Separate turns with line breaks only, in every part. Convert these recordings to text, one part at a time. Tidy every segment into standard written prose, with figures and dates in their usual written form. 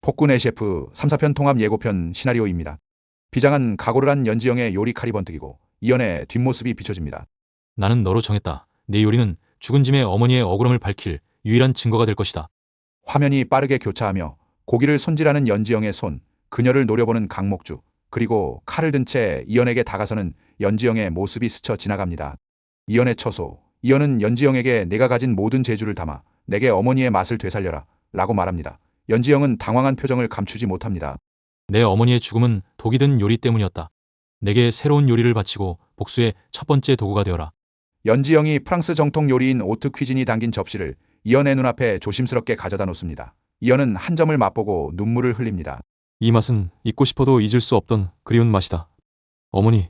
폭군의 셰프 3, 4편 통합 예고편 시나리오입니다. 비장한 각오를 한 연지영의 요리 칼이 번뜩이고 이연의 뒷모습이 비춰집니다.
나는 너로 정했다. 내 요리는 죽은 짐의 어머니의 억울함을 밝힐 유일한 증거가 될 것이다.
화면이 빠르게 교차하며 고기를 손질하는 연지영의 손, 그녀를 노려보는 강목주, 그리고 칼을 든 채 이연에게 다가서는 연지영의 모습이 스쳐 지나갑니다. 이연의 처소, 이연은 연지영에게 내가 가진 모든 재주를 담아 내게 어머니의 맛을 되살려라 라고 말합니다. 연지영은 당황한 표정을 감추지 못합니다.
내 어머니의 죽음은 독이 든 요리 때문이었다. 내게 새로운 요리를 바치고 복수의 첫 번째 도구가 되어라.
연지영이 프랑스 정통 요리인 오트 퀴진이 담긴 접시를 이연의 눈앞에 조심스럽게 가져다 놓습니다. 이연은 한 점을 맛보고 눈물을 흘립니다.
이 맛은 잊고 싶어도 잊을 수 없던 그리운 맛이다. 어머니,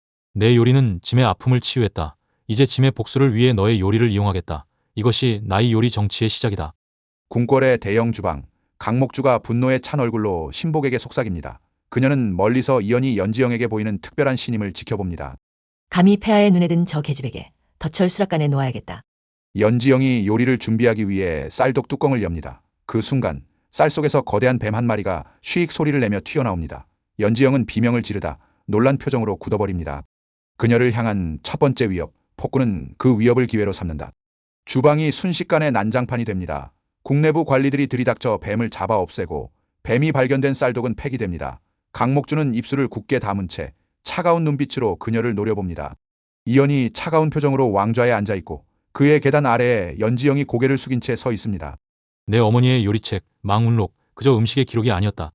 내 요리는 짐의 아픔을 치유했다. 이제 짐의 복수를 위해 너의 요리를 이용하겠다. 이것이 나의 요리 정치의 시작이다.
궁궐의 대형 주방, 강목주가 분노에 찬 얼굴로 신복에게 속삭입니다. 그녀는 멀리서 이연이 연지영에게 보이는 특별한 신임을 지켜봅니다.
감히 폐하의 눈에 든 저 계집에게 덫을 수락간에 놓아야겠다.
연지영이 요리를 준비하기 위해 쌀독 뚜껑을 엽니다. 그 순간 쌀 속에서 거대한 뱀 한 마리가 쉬익 소리를 내며 튀어나옵니다. 연지영은 비명을 지르다 놀란 표정으로 굳어버립니다. 그녀를 향한 첫 번째 위협, 폭군은 그 위협을 기회로 삼는다. 주방이 순식간에 난장판이 됩니다. 국내부 관리들이 들이닥쳐 뱀을 잡아 없애고 뱀이 발견된 쌀독은 폐기됩니다. 강목주는 입술을 굳게 다문 채 차가운 눈빛으로 그녀를 노려봅니다. 이연이 차가운 표정으로 왕좌에 앉아있고 그의 계단 아래에 연지영이 고개를 숙인 채 서 있습니다.
내 어머니의 요리책, 망운록, 그저 음식의 기록이 아니었다.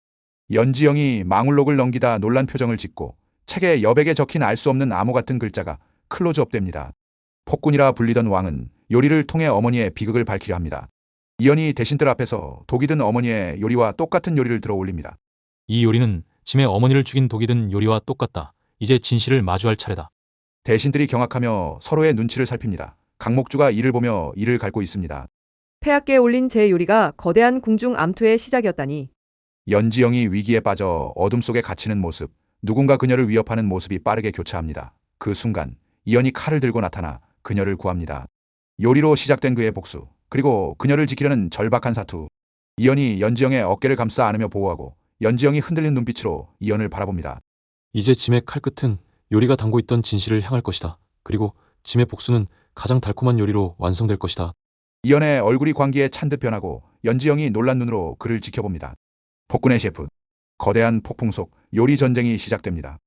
연지영이 망울록을 넘기다 놀란 표정을 짓고 책의 여백에 적힌 알 수 없는 암호 같은 글자가 클로즈업됩니다. 폭군이라 불리던 왕은 요리를 통해 어머니의 비극을 밝히려 합니다. 이연이 대신들 앞에서 독이 든 어머니의 요리와 똑같은 요리를 들어 올립니다.
이 요리는 짐의 어머니를 죽인 독이 든 요리와 똑같다. 이제 진실을 마주할 차례다.
대신들이 경악하며 서로의 눈치를 살핍니다. 강목주가 이를 보며 이를 갈고 있습니다.
폐하께 올린 제 요리가 거대한 궁중 암투의 시작이었다니.
연지영이 위기에 빠져 어둠 속에 갇히는 모습, 누군가 그녀를 위협하는 모습이 빠르게 교차합니다. 그 순간 이연이 칼을 들고 나타나 그녀를 구합니다. 요리로 시작된 그의 복수, 그리고 그녀를 지키려는 절박한 사투. 이연이 연지영의 어깨를 감싸 안으며 보호하고 연지영이 흔들린 눈빛으로 이연을 바라봅니다.
이제 짐의 칼끝은 요리가 담고 있던 진실을 향할 것이다. 그리고 짐의 복수는 가장 달콤한 요리로 완성될 것이다.
이연의 얼굴이 광기에 찬 듯 변하고 연지영이 놀란 눈으로 그를 지켜봅니다. 폭군의 셰프, 거대한 폭풍 속 요리 전쟁이 시작됩니다.